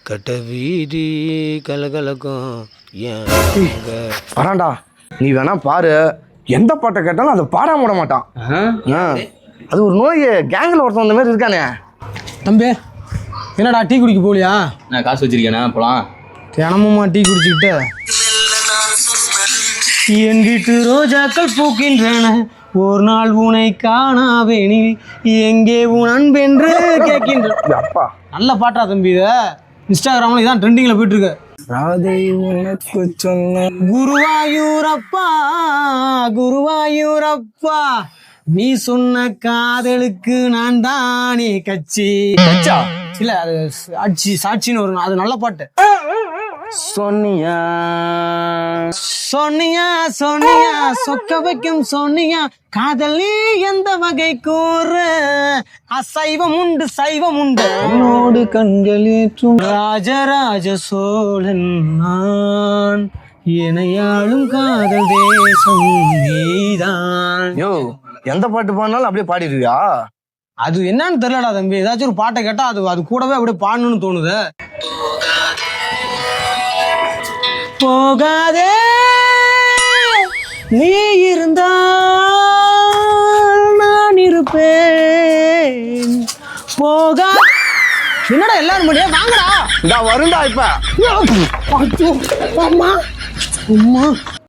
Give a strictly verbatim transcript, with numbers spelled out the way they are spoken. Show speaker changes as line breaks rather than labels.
கட்ட வீதி கலகலக்கும்
வரான்டா. நீ வேணா பாரு, எந்த பாட்டை கேட்டாலும் அதை பாடாம விட மாட்டான். அது ஒரு நோய். கேங்கில் ஒருத்தன் அந்த மாதிரி இருக்கானே.
தம்பி என்னடா டீ குடிக்க போலியா?
நான் காசு வச்சிருக்கேனா போலாம்.
தினமுமா டீ குடிச்சுக்கிட்டு என் வீட்டு ரோஜாக்கள் பூக்கின்றன, ஒரு நாள் உனை காணாவேனில் எங்கே உன் அன்பென்று கேட்கின்ற.
அப்பா
நல்ல பாட்டா தம்பி. இதை இன்ஸ்டாகிராமில் இதான் ட்ரெண்டிங்கில் போயிட்டுருக்கு.
ராதை உனக்கு சொன்ன
குருவாயூரப்பா குருவாயூரப்பா, நீ சொன்ன காதலுக்கு நான் தானே கட்சி. கச்சா இல்ல, அது சாட்சி சாட்சின்னு வரும். அது நல்ல பாட்டு.
சொன்னியா
சொன்னியா சொன்னியா சொக்க வைக்கும் சொன்னியா, காதல் நீ எந்த வகை கூற, அசைவம் உண்டு சைவம் உண்டு
என்னோடு கண்களேற்றும்
ராஜராஜ சோழன் நான், இணையாளும் காதல் தேசம் நீதான்.
யோ, எந்த பாட்டு பாடினாலும் அப்படியே பாடிடுவியா?
அது என்னன்னு தெரியலடா தம்பி. ஏதாச்சும் ஒரு பாட்டை கேட்டா அது அது கூடவே அப்படியே பாடணும்னு தோணுது. போகாதே நீ இருந்தால் நான் இருப்பேன். போகா என்னடா எல்லாரும் முடியா வாங்கடா.
இந்த வருண்டா இப்ப.
அம்மா அம்மா